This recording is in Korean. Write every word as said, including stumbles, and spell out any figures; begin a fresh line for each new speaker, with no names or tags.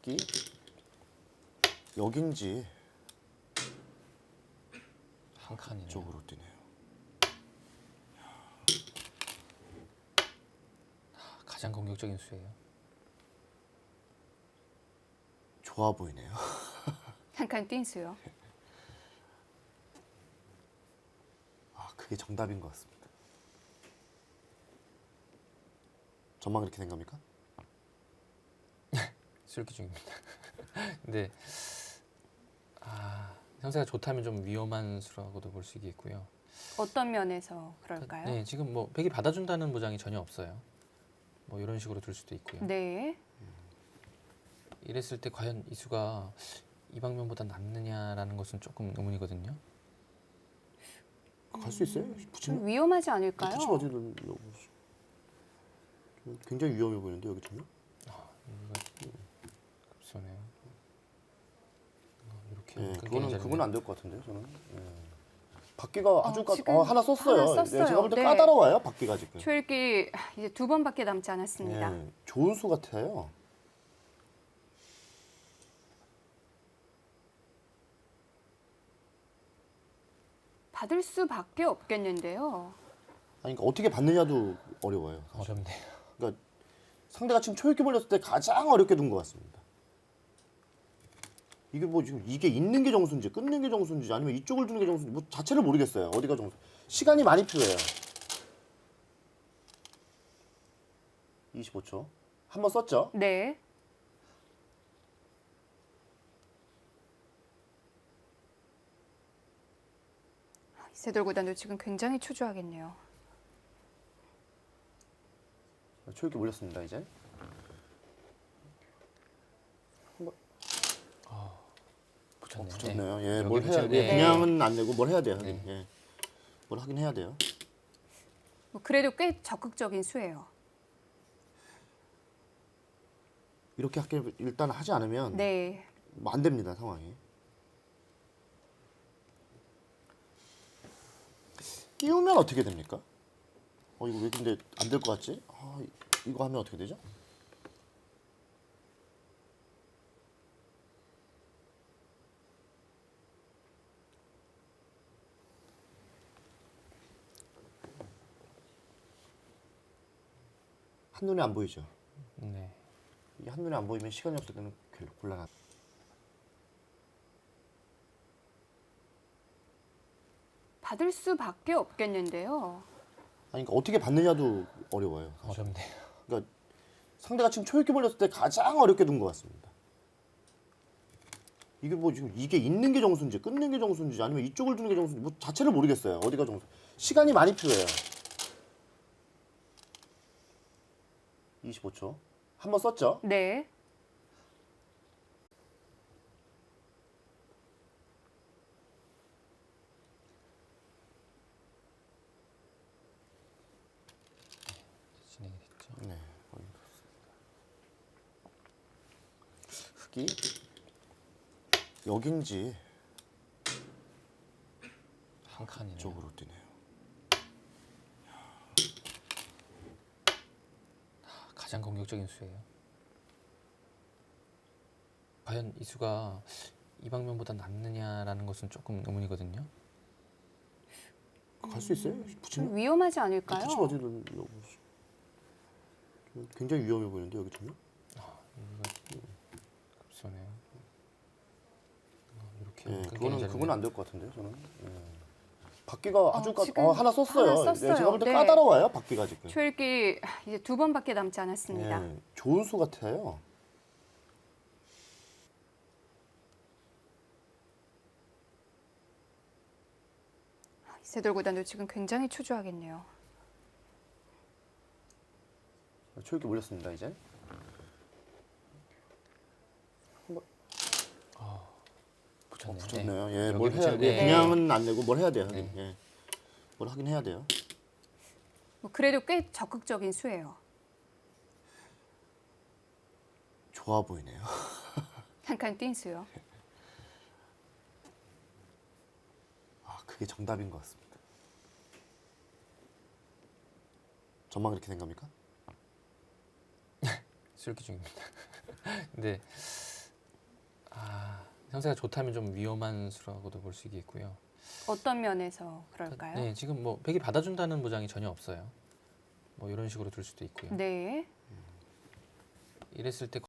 흑이 여긴지
한 칸이네요.
쪽으로 뛰네요.
가장 공격적인 수예요.
좋아 보이네요.
한 칸 뛴 수요.
아, 그게 정답인 것 같습니다. 저만 그렇게 생각합니까?
술기 중입니다. 근데 아, 형세가 좋다면 좀 위험한 수라고도 볼 수 있겠고요.
어떤 면에서 그럴까요?
네, 지금 뭐 백이 받아준다는 보장이 전혀 없어요. 뭐 이런 식으로 둘 수도 있고요.
네.
이랬을 때 과연 이 수가 이 방면보다 낫느냐라는 것은 조금 의문이거든요.
갈 수 있어요?
좀
붙이면?
위험하지 않을까요?
붙이면 어디든 굉장히 위험해 보이는데 여기 전혀?
여기가 급소네요. 어, 이렇게
네,
끈끈이
그거는
자리네.
그건 안 될 것 같은데 저는. 네. 바퀴가 아주 까,
지금
어, 하나 썼어요.
하나 썼어요.
네, 제가 볼 때
네.
까다로워요 바퀴가 지금.
초읽기 이제 두 번밖에 남지 않았습니다.
네, 좋은 수 같아요.
받을 수밖에 없겠는데요.
아니, 그러니까 어떻게 받느냐도 어려워요. 사실.
어렵네요.
그러니까 상대가 지금 초읽기 벌렸을 때 가장 어렵게 둔 것 같습니다. 이게 뭐 지금 이게 있는 게 정수인지 끊는 게 정수인지 아니면 이쪽을 두는 게 정수인지 뭐 자체를 모르겠어요. 어디가 정수? 시간이 많이 필요해요. 이십오 초. 한 번 썼죠?
네. 이세돌 구단도 지금 굉장히 초조하겠네요.
초읽기 몰렸습니다 이제.
붙였네요.
붙였네요.
네.
예,
여기
뭘 해야
붙였-
예,
네.
그냥은 안 되고 뭘 해야 돼요.
네.
예. 뭘 하긴 해야 돼요.
뭐 그래도 꽤 적극적인 수예요.
이렇게 할게 일단 하지 않으면
네.
뭐안 됩니다 상황이. 끼우면 어떻게 됩니까? 어 이거 왜 근데 안 될 것 같지? 아, 이- 이거 하면 어떻게 되죠? 한눈에 안 보이죠?
네.
이게 한눈에 안 보이면 시간이 없을 때는 별로 곤란하다.
받을 수밖에 없겠는데요.
아니 그러니까 어떻게 받느냐도 어려워요. 사실.
어렵네요.
그러니까 상대가 지금 초읽기 벌렸을 때 가장 어렵게 둔 것 같습니다. 이게 뭐 지금 이게 있는 게 정수인지 끊는 게 정수인지 아니면 이쪽을 두는 게 정수인지 뭐 자체를 모르겠어요. 어디가 정수? 시간이 많이 필요해요. 이십오 초. 한 번 썼죠?
네.
진행이 됐죠.
네. 거의 그렇습니다. 흑이 여긴지
한 칸이네요.
쪽으로 뛰네요.
가장 공격적인 수예요. 과연 이 수가 이 방면보다 낫느냐라는 것은 조금 의문이거든요.
갈 수 있어요?
좀
붙이면?
위험하지 않을까요?
붙이면 어디든 굉장히 위험해 보이는데 여기 전혀?
여기가 급소네요. 어, 이렇게
예,
끈끈이
그거는
자리네.
그건 안 될 것 같은데 저는. 예. 바퀴가 아주 까,
지금
어, 하나 썼어요.
하나 썼어요.
네, 제가 볼 때
네.
까다로워요 바퀴가 지금.
초읽기 이제 두 번밖에 남지 않았습니다.
예, 좋은 수 같아요.
이세돌 구단도 지금 굉장히 초조하겠네요.
초읽기 몰렸습니다 이제.
붙였네요.
붙였네요.
네.
예,
여기
뭘 해야
붙였-
예,
네.
그냥은 안 되고 뭘 해야 돼요.
네.
예. 뭘 하긴 해야 돼요.
뭐 그래도 꽤 적극적인 수예요.
좋아 보이네요.
한 칸 뛴 수요.
아, 그게 정답인 것 같습니다. 저만 그렇게 생각합니까?
술기 중입니다. 근데 아, 형세가 좋다면 좀 위험한 수라고도 볼 수 있겠고요.
어떤 면에서 그럴까요?
네, 지금 뭐 백이 받아준다는 보장이 전혀 없어요. 뭐 이런 식으로 들 수도 있고요.
네.
이랬을 때